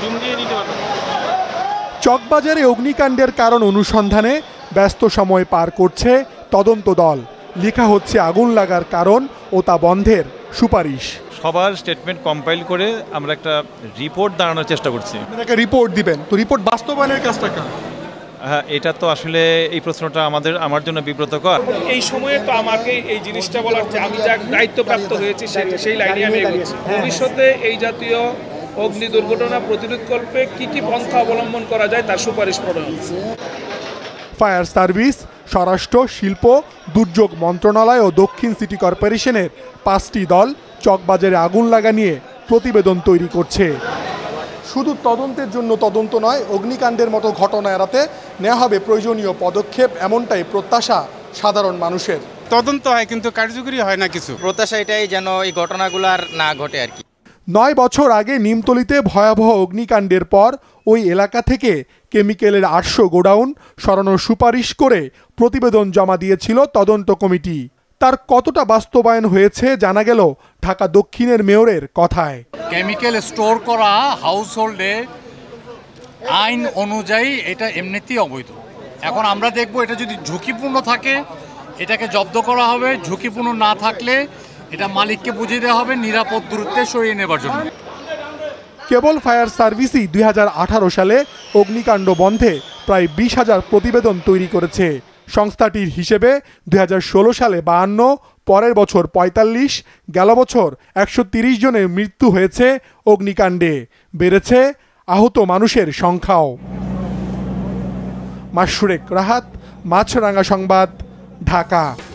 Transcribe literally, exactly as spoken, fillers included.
চকবাজারে অগ্নিকাণ্ডের কারণ অনুসন্ধানে ব্যস্ত সময় পার করছে তদন্ত দল। লেখা হচ্ছে আগুন লাগার কারণ ও তা বন্ধের সুপারিশ। সবার স্টেটমেন্ট কম্পাইল করে আমরা একটা রিপোর্ট দাঁড়ানোর চেষ্টা করছি। একটা রিপোর্ট দিবেন, তো রিপোর্ট বাস্তবায়নের কাজটা কার? হ্যাঁ, এটা তো আসলে এই প্রশ্নটা আমাদের আমার জন্য বিব্রতকর। এই সময়ে তো আমাকে এই জিনিসটা বলার যে আমি যা দায়িত্বপ্রাপ্ত হয়েছি সেই লাইনে আমি এগোচ্ছি। ভবিষ্যতে এই জাতীয় অগ্নি দুর্ঘটনা প্রতিরোধকল্পে কি কি পন্থা অবলম্বন করা যায় তার সুপারিশ প্রণয়ন। ফায়ার সার্ভিস, স্বরাষ্ট্র, শিল্প, দুর্যোগ মন্ত্রণালয় ও দক্ষিণ সিটি কর্পোরেশনের পাঁচটি দল চকবাজারে আগুন লাগা নিয়ে প্রতিবেদন তৈরি করছে। শুধু তদন্তের জন্য তদন্ত নয়, অগ্নিকাণ্ডের মতো ঘটনা এড়াতে নেওয়া হবে প্রয়োজনীয় পদক্ষেপ, এমনটাই প্রত্যাশা সাধারণ মানুষের। তদন্ত হয় কিন্তু কার্যকরী হয় না কিছু। প্রত্যাশা এটাই যেন এই ঘটনাগুলো আর না ঘটে আর কি। নয় বছর আগে নিমতলিতে ভয়াবহ অগ্নিকাণ্ডের পর ওই এলাকা থেকে কেমিক্যালের আটশো গোডাউন সরানোর সুপারিশ করে প্রতিবেদন জমা দিয়েছিল তদন্ত কমিটি। তার কতটা বাস্তবায়ন হয়েছে জানা গেল ঢাকা দক্ষিণের মেয়রের কথায়। কেমিক্যাল স্টোর করা হাউসহোল্ডে আইন অনুযায়ী এটা এমনিতেই অবৈধ। এখন আমরা দেখব এটা যদি ঝুঁকিপূর্ণ থাকে এটাকে জব্দ করা হবে, ঝুঁকিপূর্ণ না থাকলে এটা মালিককে বুঝিয়ে দেওয়া হবে নিরাপদ দূরত্বে সরিয়ে নেবার জন্য। কেবল ফায়ার সার্ভিসই দুই হাজার আঠারো সালে অগ্নিকাণ্ড বন্ধে প্রায় বিশ হাজার প্রতিবেদন তৈরি করেছে। সংস্থাটির হিসেবে দুই হাজার ষোলো সালে বাহান্ন, পরের বছর পঁয়তাল্লিশ, গেল বছর একশো তিরিশ জনের মৃত্যু হয়েছে অগ্নিকাণ্ডে। বেড়েছে আহত মানুষের সংখ্যাও। মাশরুক রাহাত, মাছরাঙা সংবাদ, ঢাকা।